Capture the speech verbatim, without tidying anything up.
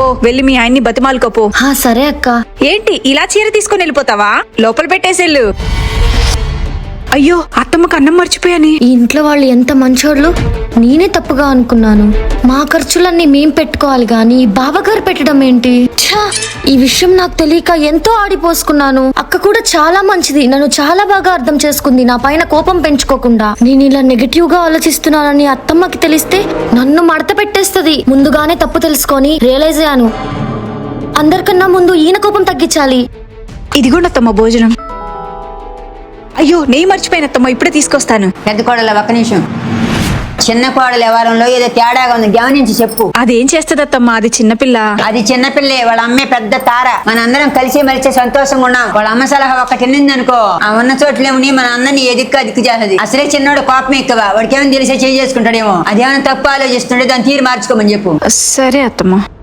వెళ్ళి మీ ఆయన్ని బతిమాలుకోపో. హా సరే అక్క. ఏంటి ఇలా చీర తీసుకుని వెళ్ళిపోతావా? లోపల పెట్టేసేళ్ళు. అయ్యో అత్తమ్మకు అన్నం మర్చిపోయాని. ఈ ఇంట్లో వాళ్ళు ఎంత మంచోళ్ళు. నేనే తప్పుగా అనుకున్నాను. మా ఖర్చులన్నీ మేం పెట్టుకోవాలి గాని బావగారు పెట్టడం ఏంటి? ఛా, ఈ విషయం నాకు తెలియక ఎంతో ఆడిపోసుకున్నాను. అక్క కూడా చాలా మంచిది, నన్ను చాలా బాగా అర్థం చేసుకుంది. నా పైన కోపం పెంచుకోకుండా. నేను ఇలా నెగటివ్ గా ఆలోచిస్తున్నానని అత్తమ్మకి తెలిస్తే నన్ను మడత పెట్టేస్తుంది. ముందుగానే తప్పు తెలుసుకొని రియలైజ్ అయ్యాను. అందరికన్నా ముందు ఈయన కోపం తగ్గించాలి. ఇదిగోండి అత్తమ్మ భోజనం. అయ్యో నెయ్యి మర్చిపోయినత్తమ్మ, ఇప్పుడే తీసుకొస్తాను. పెద్ద కోడలు ఒక్క నిమిషం. చిన్న కోడలు వ్యవహారంలో ఏదో తేడాగా ఉంది, గమనించి చెప్పు. అదేం చేస్తదత్తమ్మ, అది చిన్నపిల్ల. అది చిన్నపిల్లే, వాళ్ళ అమ్మే పెద్ద తార. మన అందరం కలిసి మలిచి సంతోషంగా ఉన్నాం. వాళ్ళ అమ్మ సలహా ఒక్కటి తిన్నింది అనుకో, ఆ ఉన్న చోట్లేముని మన అందరినీ ఎదిక్కు అదిక్కు చేస్తుంది. అసలే చిన్నోడు కోపం ఎక్కువ, వాడికి ఏమైనా తెలిసే చేయి చేసుకుంటాడేమో. అదేమైనా తప్పు ఆలోచిస్తుంటే దాన్ని తీరు మార్చుకోమని చెప్పు. సరే అత్తమ్మ.